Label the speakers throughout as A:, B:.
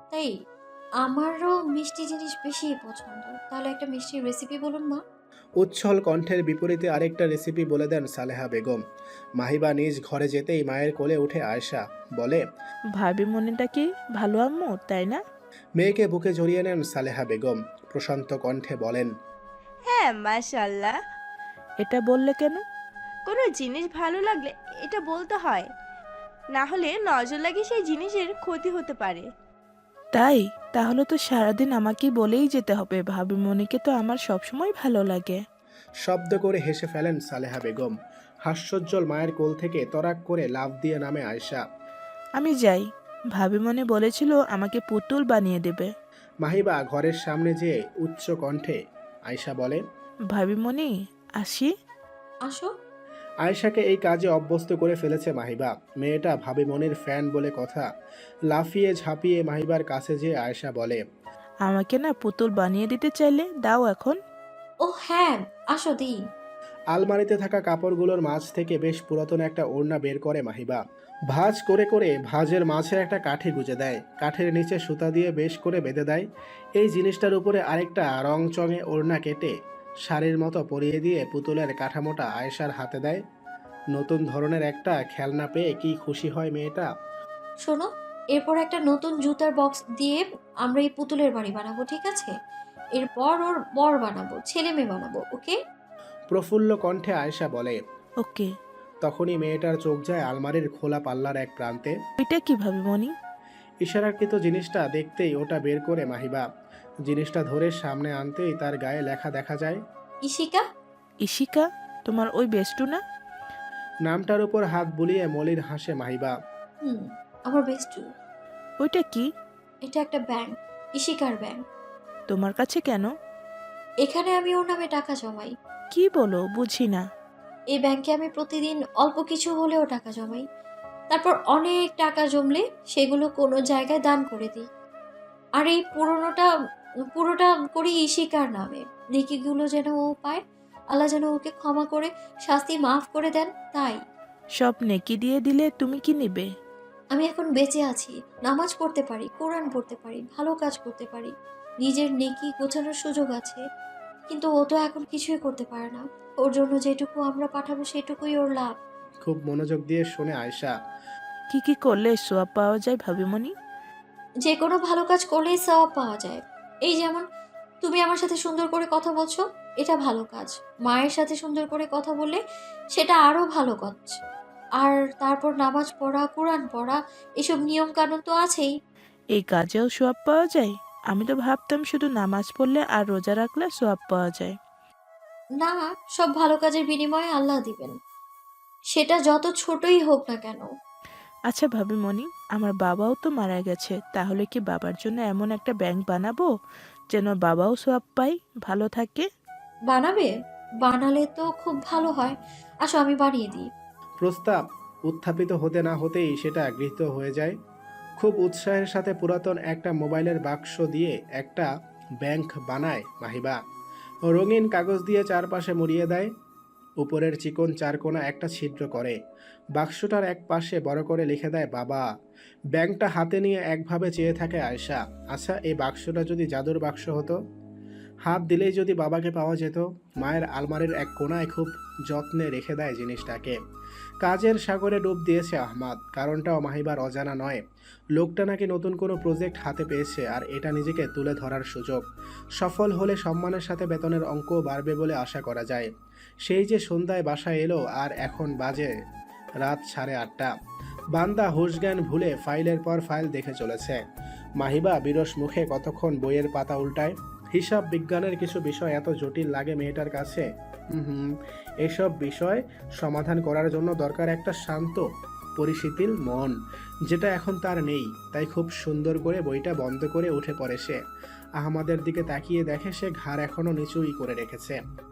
A: তাই আমারও মিষ্টি জিনিস বেশি পছন্দ। তাহলে একটা মিষ্টির রেসিপি বলুন মা।
B: উচ্ছল কণ্ঠের বিপরীতে আরেকটা রেসিপি বলে দেন সালেহা বেগম। মাহিবা নিজ ঘরে যেতেই মায়ের কোলে উঠে আয়েশা বলে,
C: ভাবি মনেটা কি ভালো আম্মু, তাই না?
B: মেয়েকে বুকে জড়িয়ে নেন সালেহা বেগম। প্রশান্ত কণ্ঠে বলেন,
D: হ্যাঁ, মাশাল্লাহ।
C: এটা বললে কেন?
D: কোনো জিনিস ভালো লাগলে এটা বলতে হয়, না হলে নজর লাগে সেই জিনিসের ক্ষতি হতে পারে।
C: তাই? তাহলে তো সারাদিন আমাকেই বলেই যেতে হবে ভাবি মনিকে তো আমার সবসময় ভালো লাগে।
B: শব্দ করে হেসে ফেলেন সালেহা বেগম। হাস্যোজ্জ্বল মায়ের কোল থেকে তরাক করে লাফ দিয়ে নামে আয়েশা।
C: আমি যাই, ভাবি মনে বলেছিল আমাকে পুতুল বানিয়ে দেবে।
B: মাহিবা ঘরের সামনে যেয়ে উচ্চ কণ্ঠে আয়েশা বলে,
C: ভাবি মনি, আসি।
A: আসো।
B: আয়েশাকে এই কাজে অভ্যস্ত করে ফেলেছে মাহিবা। মেয়েটা ভাবি মনির ফ্যান বলে কথা। লাফিয়ে ঝাঁপিয়ে মাহিবার কাছে যেয়ে আয়েশা বলে,
C: আমাকে না পুতুল বানিয়ে দিতে চাইলে দাও এখন।
A: ও হ্যাঁ, আসো দিই।
B: আলমারিতে থাকা কাপড়গুলোর মাঝ থেকে বেশ পুরাতন একটা ওড়না বের করে মাহিবা। ভাঁজ করে করে ভাঁজের মাঝে একটা কাঠি গুঁজে দেয়। কাঠের নিচে সুতা দিয়ে বেশ করে বেঁধে দেয়। এই জিনিসটার উপরে আরেকটা রংচঙে ওড়না কেটে শাড়ির মতো পরিয়ে দিয়ে পুতুলের কাঠামোটা আয়েশার হাতে দেয়। নতুন ধরনের একটা খেলনা পেয়ে কি খুশি হয় মেয়েটা।
A: শোনো, এরপর একটা নতুন জুতার বক্স দিয়ে আমরা এই পুতুলের বাড়ি বানাবো, ঠিক আছে? এরপর ওর বর বানাবো, ছেলে মেয়ে বানাবো, ওকে?
B: প্রফুল্ল কণ্ঠে আয়েশা বলে।
C: ওকে।
B: তখনই মেয়েটার চোখ যায় আলমারির খোলা পাল্লার এক প্রান্তে।
C: ওইটা কি ভাবি মনি?
B: ইশারাকৃত জিনিসটা দেখতেই ওটা বের করে মাহিবা। জিনিসটা ধরে সামনে আনতেই তার গায়ে লেখা দেখা যায়।
A: ইশিকা।
C: ইশিকা? তোমার ওই বেষ্টু না?
B: নামটার উপর হাত বুলিয়ে মলির হাসে মাহিবা।
A: হুম, আমার বেস্টু।
C: ওইটা কি?
A: এটা একটা ব্যাংক, ইশিকার ব্যাংক।
C: তোমার কাছে কেন?
A: এখানে আমি ওর নামে টাকা জমাই।
C: কি বলো, বুঝি না।
A: এই ব্যাংকে আমি প্রতিদিন অল্প কিছু হলেও টাকা জমাই। তারপর অনেক টাকা জমলে সেগুলো কোনো জায়গায় দান করে দিই। আর এই পুরোটা করি ইশিকার নামে। নেকিগুলো যেন ও পায়, আল্লাহ যেন ওকে ক্ষমা করে শাস্তি মাফ করে দেন, তাই।
C: সব নেকি দিয়ে দিলে তুমি কি নিবে?
A: আমি এখন বেঁচে আছি, নামাজ পড়তে পারি, কোরআন পড়তে পারি, ভালো কাজ করতে পারি, নিজের নেকি গোছানোর সুযোগ আছে। কিন্তু ও তো এখন কিছুই করতে পারে না। ওর জন্য যেটুকু আমরা পাঠাবো সেটুকুই ওর লাভ।
B: খুব মনোযোগ দিয়ে শোনে আয়েশা।
C: কি কি করলে সোয়াব পাওয়া যায় ভাবি মনি?
A: যে কোনো ভালো কাজ করলেই সওয়াব পাওয়া যায়। এই যেমন তুমি আমার সাথে সুন্দর করে কথা বলছো, এটা ভালো কাজ। মায়ের সাথে সুন্দর করে কথা বললে সেটা আরো ভালো কাজ। আর তারপর নামাজ পড়া, কোরআন পড়া, এসব নিয়ম কানুন তো আছেই।
C: এই কাজেও সোয়াব পাওয়া যায়? আমি তো ভাবতাম শুধু নামাজ পড়লে আর রোজা রাখলে সোয়াব পাওয়া যায়।
A: না, সব ভালো কাজের বিনিময়ে আল্লাহ দিবেন, সেটা যত ছোটই হোক না কেন।
C: আচ্ছা ভাবি মনি, আমার বাবাও তো মারা গেছে, তাহলে কি বাবার জন্য এমন একটা ব্যাংক বানাবো যেন বাবাও সোয়াব পায়, ভালো থাকে?
A: বানাবে? বানালে তো খুব ভালো হয়। আসো আমি বানিয়ে দিই।
B: প্রস্তাব উত্থাপিত হতে না হতেই সেটা গৃহীত হয়ে যায়। খুব উৎসাহের সাথে পুরাতন একটা মোবাইলের বাক্স দিয়ে একটা ব্যাংক বানায় মাহিবা। রঙিন কাগজ দিয়ে চারপাশে মুড়িয়ে দেয়। উপরের চিকন চারকোনা একটা ছিদ্র করে। বাক্সটার এক পাশে বড় করে লিখে দেয় বাবা। ব্যাংকটা হাতে নিয়ে একভাবে চেয়ে থাকে আয়েশা। আচ্ছা, এই বাক্সটা যদি জাদুর বাক্স হতো, হাত দিলেই যদি বাবাকে পাওয়া যেত। মায়ের আলমারির এক কোণায় খুব যত্নে রেখে দেয় জিনিসটাকে। কাজের সাগরে ডুব দিয়েছে আহমাদ, কারণটাও মাহিবার অজানা নয়। লোকটা নাকি নতুন কোনো প্রজেক্ট হাতে পেয়েছে, আর এটা নিজেকে তুলে ধরার সুযোগ। সফল হলে সম্মানের সাথে বেতনের অঙ্কও বাড়বে বলে আশা করা যায়। সেই যে সন্ধ্যায় বাসায় এলো, আর এখন বাজে রাত 8:30। বান্দা হুঁশজ্ঞান ভুলে ফাইলের পর ফাইল দেখে চলেছে। মাহিবা বিরস মুখে কতক্ষণ বইয়ের পাতা উল্টায়। হিসাব বিজ্ঞানের কিছু বিষয় এত জটিল লাগে মেয়েটার কাছে। হুম, এসব বিষয় সমাধান করার জন্য দরকার একটা শান্ত পরিশীতিল মন, যেটা এখন তার নেই। তাই খুব সুন্দর করে বইটা বন্ধ করে উঠে পড়ে সে। আহমাদের দিকে তাকিয়ে দেখে সে ঘাড় এখনো নিচুই করে রেখেছে।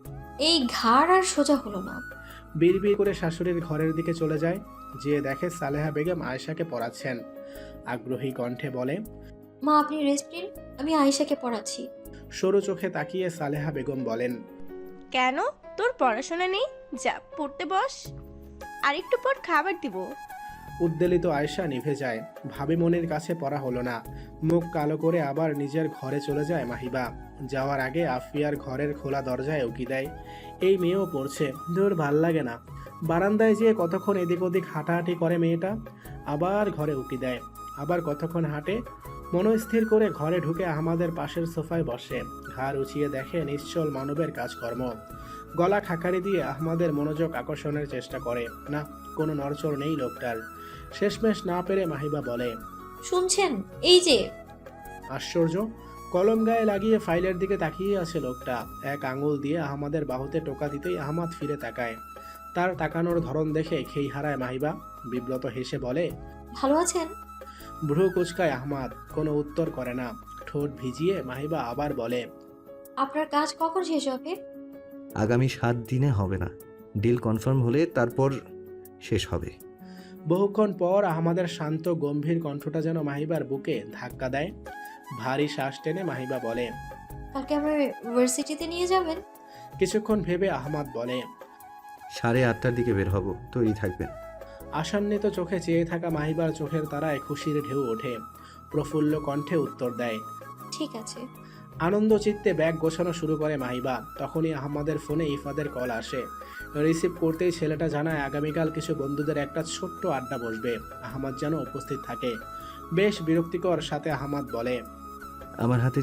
A: এই ঘাড় আর সোজা হলো না।
B: বিড়বিড় করে শাশুড়ির ঘরের দিকে চলে যায়। যেয়ে দেখে সালেহা বেগম আয়েশাকে পড়াচ্ছেন। আগ্রহী কণ্ঠে বলে,
A: মা আপনি রেস্ট নিন, আমি আয়েশাকে পড়াচ্ছি।
B: সরু চোখে তাকিয়ে সালেহা বেগম বলেন,
D: কেন? তোর পড়াশোনা নেই? যা পড়তে বস, আর একটু পর খাবার দিব।
B: উদ্বেলিত আয়শা নিভে যায়। ভাবি মনির কাছে পড়া হলো না। মুখ কালো করে আবার নিজের ঘরে চলে যায় মাহিবা। যাওয়ার আগে আফিয়ার ঘরের খোলা দরজায় উকি দেয়। এই মেয়েও পড়ছে, দূর ভাল লাগে না। বারান্দায় যেয়ে কতক্ষণ এদিক ওদিক হাঁটাহাঁটি করে মেয়েটা, আবার ঘরে উকি দেয়, আবার কতক্ষণ হাঁটে। মনস্থির করে ঘরে ঢুকে আহমাদের পাশের সোফায় বসে, ঘাড় উঁচিয়ে দেখে নিশ্চল মানবের কাজকর্ম। গলা খাকারি দিয়ে আহমাদের মনোযোগ আকর্ষণের চেষ্টা করে, না, কোনো নড়চড় নেই লোকটার। শেষমেশ না পেরে মাহিবা বলে,
A: শুনছেন? এই যে।
B: আশ্চর্য! কলম গায়ে লাগিয়ে ফাইলের দিকে তাকিয়ে আছে লোকটা। এক আঙুল দিয়ে আহমাদের বাহুতে টোকা দিতেই আহমাদ ফিরে তাকায়। তার তাকানোর ধরন দেখে খেই হারায় মাহিবা। বিব্রত হেসে বলে,
A: ভালো আছেন?
B: ভ্রু কুচকায় আহমাদ, কোনো উত্তর করে না। ঠোঁট ভিজিয়ে মাহিবা আবার বলে,
A: আপনার কাজ কখন শেষ হবে?
E: আগামী 7 দিনে হবে না, ডিল কনফার্ম হলে তারপর শেষ হবে।
B: বহুক্ষণ পর আহমাদের শান্ত গম্ভীর কণ্ঠটা যেন মাহিবার বুকে ধাক্কা দেয়। ভারী শ্বাস টেনে মাহিবা বলে,
A: কালকে আমার ইউনিভার্সিটিতে নিয়ে যাবেন?
B: কিছুক্ষণ ভেবে আহমাদ বলে,
E: 8:30টার দিকে বের হব, তৈরি থাকবেন।
B: আশান্বিত চোখে চেয়ে থাকা মাহিবার চোখের তারায় খুশির ঢেউ ওঠে। প্রফুল্ল কণ্ঠে উত্তর দেয়,
A: ঠিক আছে।
B: আনন্দ চিত্তে ব্যাগ গোছানো শুরু করে মাহিবা। তখনই আহমাদের ফোনে ইফাদের কল আসে। রিসিভ করতেই ছেলেটা জানায় আগামীকাল কিছু বন্ধুদের একটা ছোট্ট আড্ডা বসবে, আহমাদ যেন উপস্থিত থাকে। বেশ বিরক্তিকর সাথে আহমাদ বলে,
E: আমার হাতে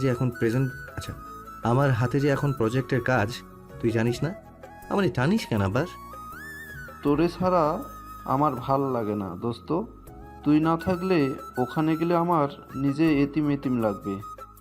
E: যে এখন প্রজেক্টের কাজ, তুই জানিস না? আমারে টানিস কেন আবার?
F: তোরে ছাড়া আমার ভাল লাগে না দোস্ত। তুই না থাকলে ওখানে গেলে আমার নিজে এতিম এতিম লাগবে।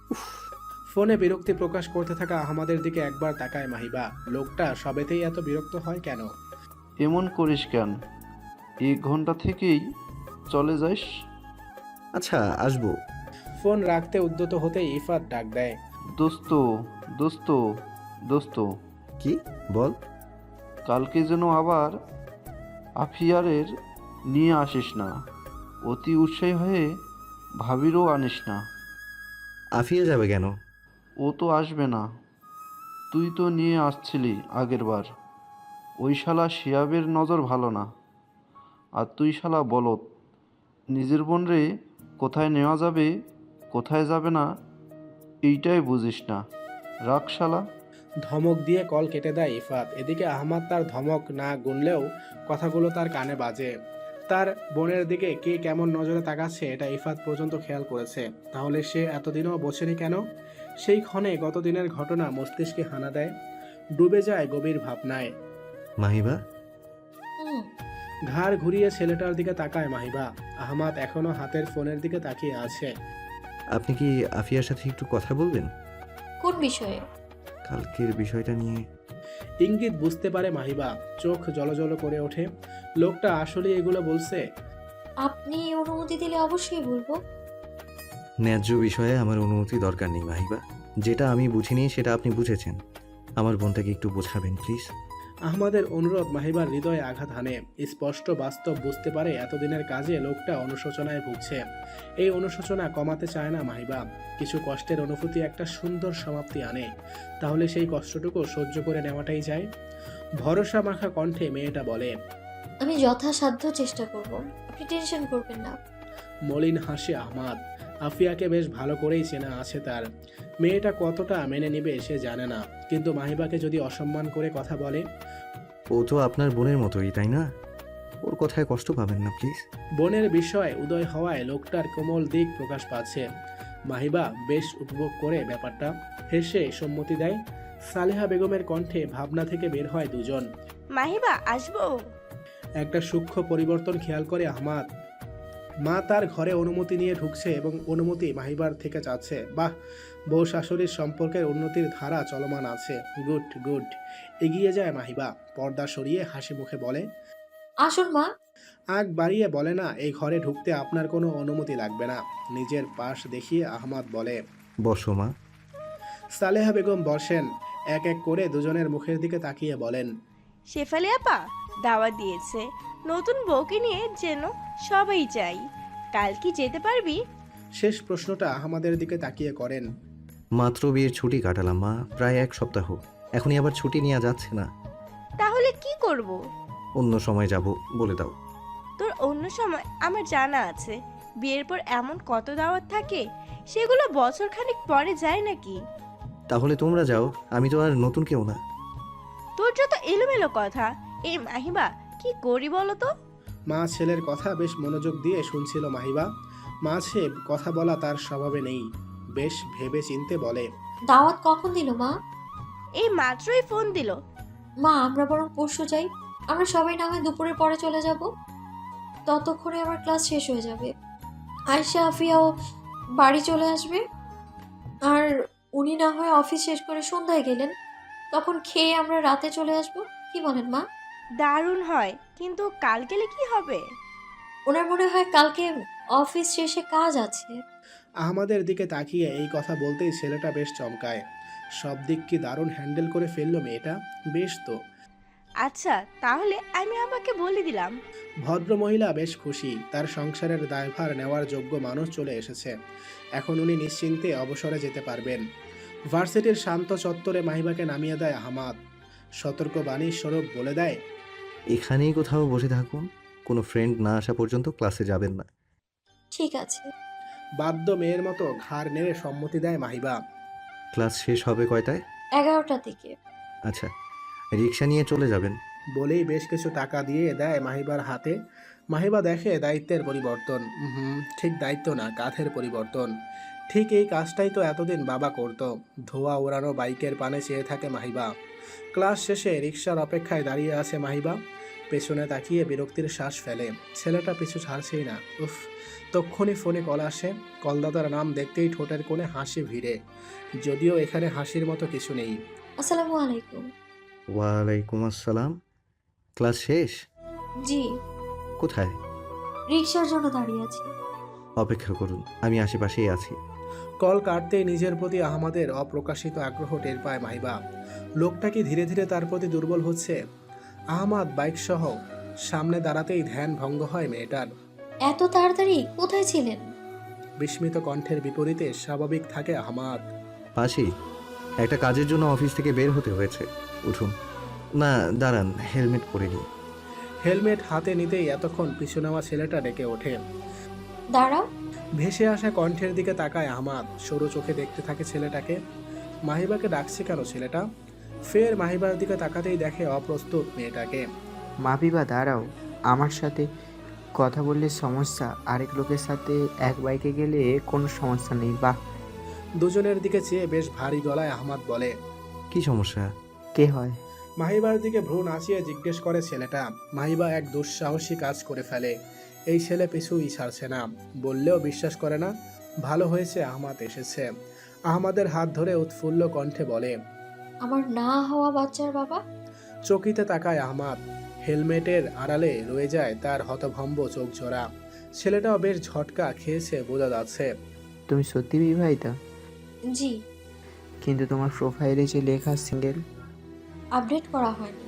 B: ফোনে বিরক্তি প্রকাশ করতে থাকা আহমাদের দিকে একবার তাকায় মাহিবা। লোকটা সবেতেই এত বিরক্ত হয় কেন?
F: এমন করিস কেন? 1 ঘন্টা থেকেই চলে যাস।
E: আচ্ছা, আসবো।
B: ফোন রাখতে উদ্যত হতেই ইফাত ডাক দেয়,
F: দোস্ত দোস্ত দোস্ত,
E: কি বল?
F: কালকে যেন আবার আফিয়ারের নিয়ে আসিস না। অতি উৎসাহী হয়ে ভাবিরও আনিস না।
E: আফিয়া যাবে কেন?
F: ও তো আসবে না। তুই তো নিয়ে আসছিলি আগের বার। ওই শালা শিয়াবের নজর ভালো না। আর তুই শালা বলত। নিজের বোন রে কোথায় নেওয়া যাবে কোথায় যাবে না এইটাই বুঝিস না। রাখ শালা।
B: ধমক দিয়ে কল কেটে দেয় ইফাত। এদিকে আহমাদ তার ধমক না গুনলেও কথাগুলো তার কানে বাজে। তার বোনের দিকে কে কেমন নজরে তাকাচ্ছে এটা ইফাত পর্যন্ত খেয়াল করেছে। তাহলে সে এতদিনও বোঝেনি কেন? সেই ক্ষণে গতদিনের ঘটনা মস্তিষ্কে হানা দেয়, ডুবে যায় গভীর ভাবনায়।
E: মাহিবা?
A: হুম।
B: ঘাড় ঘুরিয়ে ছেলেটার দিকে তাকায় মাহিবা। আহমাদ এখনো হাতের ফোনের দিকে তাকিয়ে আছে।
E: আপনি কি আফিয়ার সাথে একটু কথা বলবেন?
A: কোন বিষয়ে?
E: কালকের বিষয়টা নিয়ে।
B: ইঙ্গিত বুঝতে পারে মাহিবা, চোখ জলজল করে ওঠে। লোকটা আসলে এগুলো বলছে?
A: আপনি অনুমতি দিলে অবশ্যই বলবো।
E: ন্যায্য বিষয়ে আমার অনুমতি দরকার নেই মাহিবা। যেটা আমি বুঝিনি সেটা আপনি বুঝেছেন। আমার বোনটাকে একটু বোঝাবেন প্লিজ।
B: আহমাদের অনুরোধ মাহিবার হৃদয়ে আঘাত হানে। স্পষ্ট বাস্তব বুঝতে পারে এতদিনের কাজে লোকটা অনুশোচনায় ভুগছে। এই অনুশোচনা কমাতে চায় না মাহিবা। কিছু কষ্টের অনুভূতি একটা সুন্দর সমাপ্তি আনে, তাহলে সেই কষ্টটুকু সহ্য করে নেওয়াটাই যায়। ভরসা মাখা কণ্ঠে মেয়েটা বলে,
A: আমি যথাসাধ্য চেষ্টা করব, আপনি টেনশন করবেন না।
B: মলিন হাসে আহমাদ। আফিয়াকে বেশ ভালো করেই চেনা আছে তার। মেয়েটা কতটা মেনে নেবে সে জানে না, কিন্তু মাহিবাকে যদি অসম্মান করে কথা বলে।
E: ও তো আপনার বোনের মতোই, তাই না? ওর কথায় কষ্ট পাবেন না প্লিজ।
B: বোনের বিষয় উদয় হওয়ায় লোকটার কোমল দিক প্রকাশ পাচ্ছে। মাহিবা বেশ উপভোগ করে ব্যাপারটা, হেসে সম্মতি দেয়। সালেহা বেগমের কণ্ঠে ভাবনা থেকে বের হয় দুজন।
D: মাহিবা, আসবো?
B: একটা সূক্ষ্ম পরিবর্তন খেয়াল করে আহমাদ। মা তার ঘরে অনুমতি নিয়ে ঢুকছে এবং অনুমতি মাহিবার থেকে চাচ্ছে। বাহ, বউ শাশুড়ির সম্পর্কের উন্নতির ধারা চলমান আছে। Good good. এগিয়ে যায় মাহিবা, পর্দা সরিয়ে হাসি মুখে বলে,
A: আসুন মা।
B: আগ বাড়িয়ে বলে না, এই ঘরে ঢুকতে আপনার কোনো অনুমতি লাগবে না। নিজের পাশ দেখিয়ে আহমাদ বলে,
E: বসো মা।
B: সালেহা বেগম বসেন। এক এক করে দুজনের মুখের দিকে তাকিয়ে বলেন,
D: শেফালি আপা দাওয়াত দিয়েছে, নতুন বউকে নিয়ে যেন সবাই চাই। কাল কি যেতে পারবি?
B: শেষ প্রশ্নটা আহমাদের দিকে তাকিয়ে করেন।
E: মাত্র বিয়ের ছুটি কাটালাম মা, প্রায় 1 সপ্তাহ। এখনই আবার ছুটি নেওয়া যাচ্ছে না।
D: তাহলে কি করব?
E: অন্য সময় যাব, বলে দাও।
D: তোর অন্য সময় আমার জানা আছে বিয়ের পর এমন কত দাওয়াত থাকে, সেগুলো বছর খানিক পরে যায় নাকি?
E: তাহলে তোমরা যাও, আমি তো আর নতুন কেউ না।
D: তোর যত এলোমেলো কথা। এই মাহিবা, কি করি বলো তো?
B: মা ছেলের কথা বেশ মনোযোগ দিয়ে শুনছিল মাহিবা। মাঝে কথা বলা তার স্বভাবে নেই, বেশ ভেবে চিনতে বলে।
A: দাওয়াত কখন দিল মা?
D: এই মাত্রই ফোন দিল।
A: মা আমরা বরং পরশু যাই। আমরা সবাই না হয় দুপুরের পরে চলে যাব, ততক্ষণে আমার ক্লাস শেষ হয়ে যাবে। আয়শা আফিয়াও বাড়ি চলে আসবে, আর উনি না হয় অফিস শেষ করে সন্ধ্যায় গেলেন, তখন খেয়ে আমরা রাতে চলে আসব। কি বলেন মা?
D: দারুণ হয়, কিন্তু কাল গেলে কি হবে?
A: ওনার মনে হয় কালকে অফিস শেষে কাজ আছে।
B: আহমাদের দিকে তাকিয়ে এই কথা বলতেই ছেলেটা বেশ চমকায়। সব দিক কি দারুণ হ্যান্ডেল করে ফেললো মেয়েটা, বেশ তো।
D: আচ্ছা, তাহলে আমি আমাকে বলে দিলাম।
B: ভদ্র মহিলা বেশ খুশি, তার সংসারের দায়ভার নেওয়ার যোগ্য মানুষ চলে এসেছে। এখন উনি নিশ্চিন্তে অবসরে যেতে পারবেন। ভার্সিটির শান্ত চত্বরে মাহিবাকে নামিয়ে দেয় আহমাদ। সতর্ক বাণীর স্বরূপ বলে দেয়,
E: এখানেই কোথাও বসে থাকুন, কোনো ফ্রেন্ড না আসা পর্যন্ত ক্লাসে যাবেন না।
A: ঠিক আছে।
B: বাধ্য মেয়ের মতো ঘাড় নেড়ে সম্মতি দেয় মাহিবা।
E: ক্লাস শেষ হবে কয়টায়?
A: 11টার দিকে।
E: আচ্ছা, রিক্সা নিয়ে চলে যাবেন।
B: বলেই বেশ কিছু টাকা দিয়ে দেয় মাহিবার হাতে। মাহিবা দেখে দায়িত্বের পরিবর্তন। ঠিক দায়িত্ব না, কাঁধের পরিবর্তন। ঠিক এই কাজটাই তো এতদিন বাবা করত। ধোয়া ওড়ানো বাইকের পানে চেয়ে থাকে মাহিবা। ক্লাস শেষে রিক্সার অপেক্ষায় দাঁড়িয়ে আছে মাহিবা। পেছনে তাকিয়ে বিরক্তির শ্বাস ফেলে। ছেলেটা পিছু ছাড়ছেই না। উফ, তক্ষুনি ফোনে কল আসে। কলদাতার নাম দেখতেই ঠোঁটের কোণে হাসি ভিড়ে, যদিও এখানে হাসির মতো কিছু নেই।
A: আসসালামু আলাইকুম।
E: ওয়ালাইকুম আসসালাম। ক্লাস শেষ?
A: জি।
E: কোথায়?
A: রিক্সার জন্য দাঁড়িয়ে আছি।
E: অপেক্ষা করুন, আমি আশেপাশেই আছি।
B: কল কাটতেই নিজের প্রতি আহমাদের অপ্রকাশিত আগ্রহ টের পায় মাহিবা। লোকটা কি ধীরে ধীরে তার প্রতি দুর্বল হচ্ছে? আহমাদ বাইক সহ সামনে দাঁড়াতেই ধ্যান ভঙ্গ হয় মেয়েটার।
A: এত তাড়াতাড়ি কোথায় ছিলেন?
B: বিস্মিত কণ্ঠের বিপরীতে স্বাভাবিক থাকে আহমাদ।
E: পাশেই, একটা কাজের জন্য অফিস থেকে বের হতে হয়েছে। উঠুন। না, দাঁড়ান, হেলমেট পরে নিই।
B: হেলমেট হাতে নিতেই এতক্ষণ পিছু নেওয়া ছেলেটা ডেকে ওঠে।
A: দাঁড়াও।
B: ভেসে আসা কণ্ঠের দিকে তাকায় আহমাদ। সরু চোখে দেখতে থাকে ছেলেটাকে। মাহিবাকে ডাকছে কেন ছেলেটা? ফের মাহিবার দিকে তাকাতেই দেখে অপ্রস্তুত মেয়েটাকে।
G: মাপিবা দাঁড়াও, আমার সাথে কথা বললে সমস্যা, আরেক লোকের সাথে এক বাইকে গেলে কোনো সমস্যা নেই। বাহ।
B: দুজনের দিকে চেয়ে বেশ ভারী গলায় আহমাদ বলে,
E: কি সমস্যা?
G: কে হয়?
B: মাহিবার দিকে ভ্রু নাচিয়ে জিজ্ঞেস করে ছেলেটা। মাহিবা এক দুঃসাহসী কাজ করে ফেলে। এই ছেলে পিছুই ছাড়ছে না, বললেও বিশ্বাস করে না। ভালো হয়েছে আহমাদ এসেছে। আহমাদের হাত ধরে উৎফুল্ল কণ্ঠে বলে,
A: আমার না হওয়া বাচ্চার বাবা।
B: চকিতে তাকায় আহমাদ। হেলমেটের আড়ালে রয়ে যায় তার হতভম্ব চোখ জোড়া। ছেলেটাও বেশ ঝটকা খেয়েছে বোঝা যাচ্ছে।
G: তুমি সত্যি বিবাহিতা?
A: জি।
G: কিন্তু তোমার প্রোফাইলে যে লেখা সিঙ্গেল।
A: আপডেট করা হয়নি।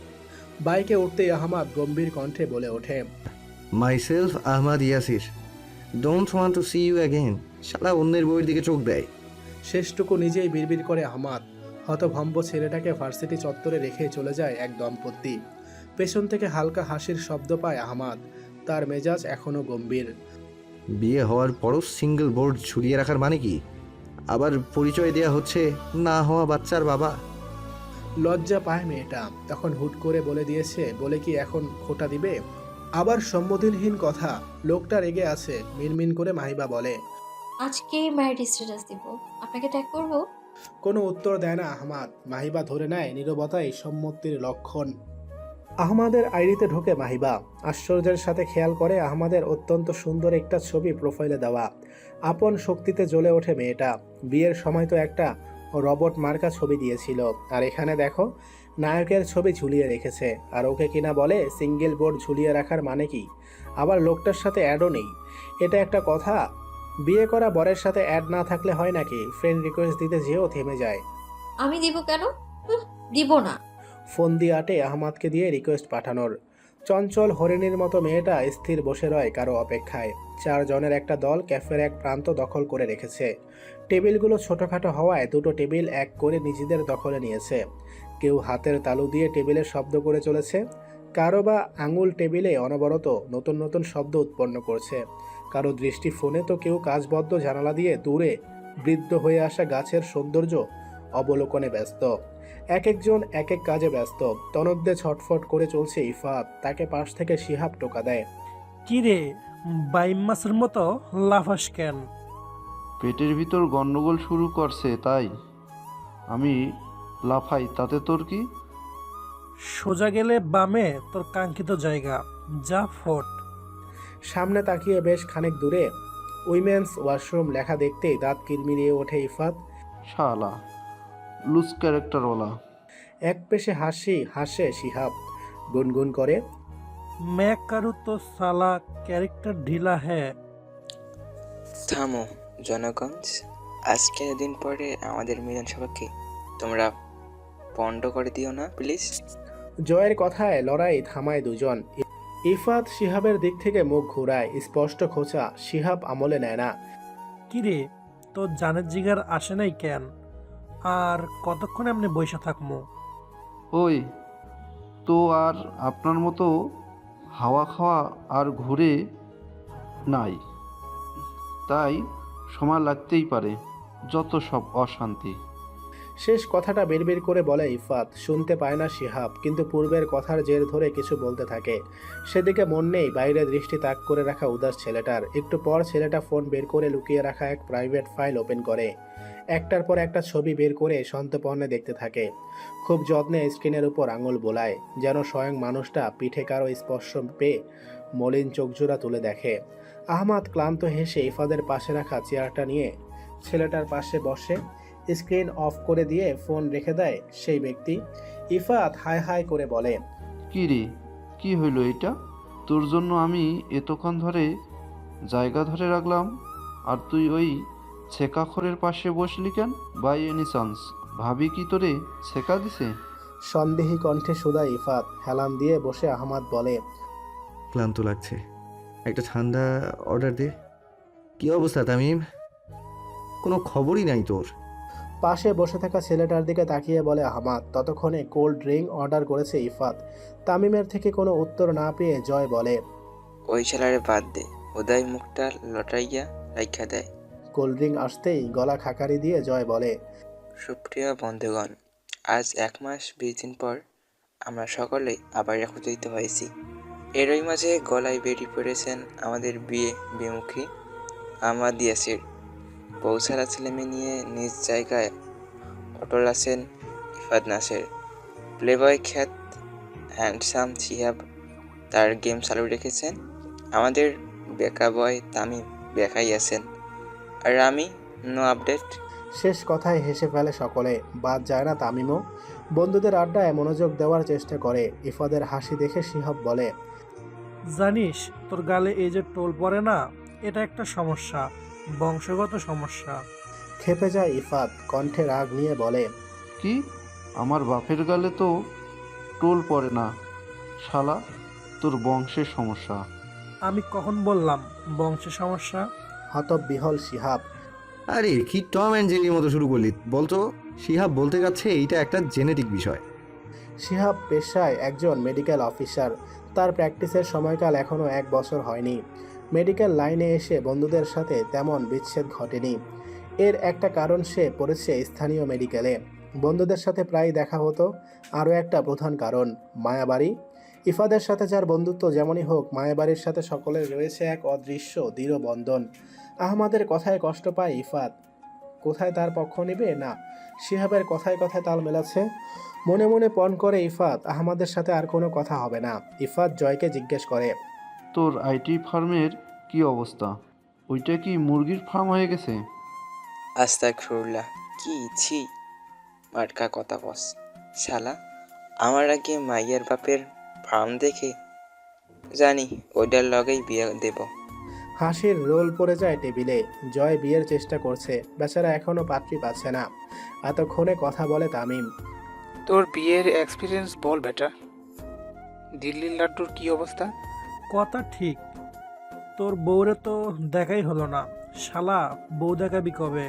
B: বাইকে উঠতেই আহমাদ গম্ভীর কণ্ঠে বলে ওঠে,
E: myself Ahmad Yasir, don't want to see you again. শালা অন্যের বইয়ের দিকে চোখ দেয়।
B: শেষটুকু নিজেই বিড়বিড় করে আহমাদ। হতভম্ব ছেলেটাকে ভার্সিটি চত্বরে রেখে চলে যায় এক দম্পতি। পেছন থেকে হালকা হাসির শব্দ পায় আহমাদ। তার মেজাজ এখনো গম্ভীর।
E: বিয়ে হওয়ার পরও সিঙ্গেল বোর্ড ঝুলিয়ে রাখার মানে কি? আবার পরিচয় দেয়া হচ্ছে না হওয়া বাচ্চার বাবা।
B: লজ্জা পায় মেয়েটা। তখন হুট করে বলে দিয়েছে বলে কি এখন খোটা দিবে? আবার সম্বোধনহীন কথা। লোকটা রেগে আছে। মিনমিন করে মাহিবা বলে,
A: আজকে ম্যারিড স্ট্যাটাস দিব, আপনাকে ট্যাগ করব।
B: কোনো উত্তর দেয় না আহমাদ। মাহিবা ধরে নেয় নীরবতাই সম্মতির লক্ষণ। আহমাদের আইডিতে ঢোকে মাহিবা। আশ্চর্যের সাথে খেয়াল করে আহমাদের অত্যন্ত সুন্দর একটা ছবি প্রোফাইলে দেওয়া। আপন শক্তিতে জ্বলে ওঠে মেয়েটা। বিয়ের সময় তো একটা রবট মার্কা ছবি দিয়েছিল, আর এখানে দেখো নায়কের ছবি ঝুলিয়ে রেখেছে। আর ওকে কিনা বলে সিঙ্গেল বোর্ড ঝুলিয়ে রাখার মানে কি? আবার লোকটার সাথে অ্যাডও নেই। এটা একটা কথা? বিয়ে করা বরের সাথে অ্যাড না থাকলে হয় নাকি? ফ্রেন্ড রিকোয়েস্ট দিতে যেও থেমে যায়।
A: আমি দিব কেন? দিব না।
B: ফোন দিয়ে আটে আহমাদকে দিয়ে রিকোয়েস্ট পাঠানোর। চঞ্চল হরিণীর মতো মেয়েটা স্থির বসে রয় কারো অপেক্ষায়। 4 জনের একটা দল ক্যাফের এক প্রান্ত দখল করে রেখেছে। টেবিলগুলো ছোটোখাটো হওয়ায় দুটো টেবিল এক করে নিজেদের দখলে নিয়েছে। কেউ হাতের তালু দিয়ে টেবিলের শব্দ করে চলেছে। কারো বা আঙুল টেবিলে অনবরত নতুন নতুন শব্দ উৎপন্ন করছে, কারো দৃষ্টি ফোনে, তো কেউ কাচবদ্ধ জানালা দিয়ে দূরে বৃদ্ধ হয়ে আসা গাছের সৌন্দর্য অবলোকনে ব্যস্ত। এক একজন এক এক কাজে ব্যস্ত। তনদ্দে ছটফট করে চলছে ইফাত। তাকে পাশ থেকে শিহাব টোকা দেয়।
H: কি রে, বাইম মাছের মতো লাফাস কেন?
F: পেটের ভিতর গন্ডগোল শুরু করছে তাই আমি লাফাই, তাতে তোর কি?
H: সোজা গেলে বামে তোর কাঙ্ক্ষিত জায়গা, যা ফোট।
B: সামনে তাকিয়ে বেশ খানিক দূরে উইমেন্স ওয়াশরুম লেখা দেখতেই দাঁত কিরমিরিয়ে ওঠে ইফাত।
F: শালা লুজ ক্যারেক্টারওয়ালা।
B: এক পেশে হাসে শিহাব, গুনগুন করে।
H: मैं करूँ तो साला ক্যারেক্টার ঢিলা হ্যাঁ।
I: থামো জনগঞ্জ, আজকের দিন পরে আমাদের মিলন সভাকে তোমরা পণ্ড করে দিও না প্লিজ।
B: জয়ের কথায় লড়াই থামায় দুজন। ইফাত শিহাবের দিক থেকে মুখ ঘুরায়, স্পষ্ট খোঁচা। শিহাব আমলে নেয় না।
H: কি রে, তোর জানের জিগার আসে নাই কেন? আর কতক্ষণ এমনি বইসা থাকমু?
F: ওই তো আর আপনার মতো হাওয়া খাওয়া আর ঘুরে নাই, তাই সময় লাগতেই পারে। যত সব অশান্তি।
B: শেষ কথাটা বিড়বিড় করে বলে ইফাত। শুনতে পায় না শিহাব, কিন্তু পূর্বের কথার জের ধরে কিছু বলতে থাকে। সেদিকে মন নেই। বাইরে দৃষ্টি তাক করে রাখা উদাস ছেলেটার। একটু পর ছেলেটা ফোন বের করে লুকিয়ে রাখা এক প্রাইভেট ফাইল ওপেন করে একটার পর একটা ছবি বের করে সন্তর্পণে দেখতে থাকে। খুব যত্নে স্ক্রিনের উপর আঙুল বোলায়, যেন স্বয়ং মানুষটা পিঠে কারো স্পর্শ পেয়ে মলিন চোখজোড়া তুলে দেখে। আহমাদ ক্লান্ত হেসে ইফাদের পাশে রাখা চেয়ারটা নিয়ে ছেলেটার পাশে বসে। স্ক্রিন অফ করে দিয়ে ফোন রেখে দেয় সেই ব্যক্তি। ইফাত হাই হাই করে বলে,
F: কি রে, কি হইল এটা? তোর জন্য আমি এতক্ষণ ধরে জায়গা ধরে রাখলাম, আর তুই ওই ছেকাখরের পাশে বসলি কেন? বাই এনি চান্স ভাবি কি তোরে ছেকা দিছে?
B: সন্দেহী কণ্ঠে সুদা ইফাত। হেলান দিয়ে বসে আহমাদ বলে,
E: ক্লান্ত লাগছে, একটা ঠান্ডা অর্ডার দে। কি অবস্থা তামিম? কোনো খবরই নাই তোর।
B: পাশে বসে থাকা ছেলেটার দিকে তাকিয়ে বলে আহমাদ। ততক্ষণে কোল্ড ড্রিঙ্ক অর্ডার করেছে ইফাত। তামিমের থেকে কোনো উত্তর না পেয়ে জয় বলে,
I: ওই শালারে বাদ দে, ওদাই মুখটা লটাইয়া রাইখা দেয়।
B: কোল্ড ড্রিঙ্ক আসতেই গলা খাকারি দিয়ে জয় বলে,
I: সুপ্রিয় বন্ধুগণ, আজ 1 মাস 20 দিন পর আমরা সকলেই আবার একত্রিত হয়েছি। এরই মাঝে গলায় বেরিয়ে পড়েছেন আমাদের বিয়ে বিমুখী আহমাদ ইয়াসির। বৌসারা ছেলেমেয়ে নিয়ে নিজ জায়গায় অটল আছেন ইফাত নাসের। প্লেবয় খ্যাত হ্যান্ডসাম শিহাব তার গেম চালু রেখেছেন। আমাদের বেকা বয় তামিম বেকাই আছেন। আর আমি নো আপডেট।
B: শেষ কথায় হেসে ফেলে সকলে, বাদ যায় না তামিমও। বন্ধুদের আড্ডায় মনোযোগ দেওয়ার চেষ্টা করে। ইফাদের হাসি দেখে শিহাব বলে,
H: জানিস তোর গালে এই যে টোল পড়ে না, এটা একটা সমস্যা, বংশগত সমস্যা।
B: খেপে যায় ইফাত, কণ্ঠে রাগ নিয়ে বলে,
F: কি? আমার বাপের গালে তো টোল পড়ে না শালা, তোর বংশের সমস্যা।
H: আমি কখন বললাম বংশের সমস্যা?
B: হতবিহ্বল শিহাব।
E: আরে কি টম অ্যান্ড জেরির মতো শুরু করলি? বলতো। শিহাব বলতে যাচ্ছে এইটা একটা জেনেটিক বিষয়।
B: শিহাব পেশায় একজন মেডিকেল অফিসার। তার প্র্যাকটিসের সময়কাল এখনও 1 বছর হয়নি। মেডিকেল লাইনে এসে বন্ধুদের সাথে তেমন বিচ্ছেদ ঘটেনি। এর একটা কারণ, সে পড়েছে স্থানীয় মেডিকেলে। বন্ধুদের সাথে প্রায় দেখা হতো। আরও একটা প্রধান কারণ, মায়াবাড়ি। ইফাদের সাথে যার বন্ধুত্ব যেমনই হোক, মায়াবাড়ির সাথে সকলের রয়েছে এক অদৃশ্য দৃঢ় বন্ধন। আহমাদের কথায় কষ্ট পায় ইফাত। কোথায় তার পক্ষ নেবে? না, শিহাবের কথায় কথায় তাল মেলাচ্ছে। মনে মনে পণ করে ইফাত, আহমাদের সাথে আর কোনো কথা হবে না। ইফাত জয়কে জিজ্ঞেস করে,
F: তোর আইটি ফার্মের কি অবস্থা? ওইটা কি মুরগির ফার্ম হয়ে গেছে?
I: আস্তাগফিরুল্লাহ, কি ছি মার্কা কথা বস শালা। আমার আগে মাইয়ার বাপের ফার্ম দেখে জানি ওইটার লগেই বিয়ে দেব।
B: হাসির রোল পড়ে যায় টেবিলে। জয় বিয়ের চেষ্টা করছে, বেচারা এখনও পাত্রী পাচ্ছে না। এতক্ষণে কথা বলে তামিম।
J: তোর বিয়ের এক্সপিরিয়েন্স বল বেটা। দিল্লির লাড্ডুর কি অবস্থা?
H: কথা ঠিক, তোর বউরে তো দেখাই হলো না, শালা বউ দেখাবি কবে?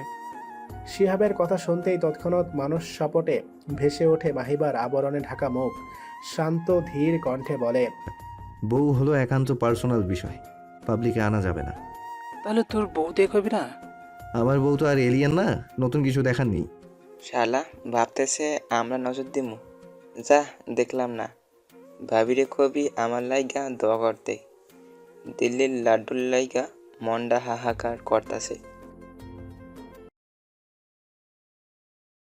B: শিহাবের কথা শুনতেই তৎক্ষণাৎ মানুষ সাপটে ভেসে ওঠে মাহিবার আবরণে ঢাকা মুখ। শান্ত ধীর কণ্ঠে বলে,
E: বউ হলো একান্ত পার্সোনাল বিষয়, পাবলিকে আনা যাবে না।
J: তাহলে তোর বউ দেখবি না?
E: আমার বউ তো আর এলিয়েন না, নতুন কিছু দেখার নেই।
I: শালা ভাবতেছে আমরা নজর দিমু। যা দেখলাম না। ভাবিরে কবি আমার লাইগা দোয়া করতে। দিল্লির লাড্ডুর লাইগা মন্ডা হাহাকার করতাছে।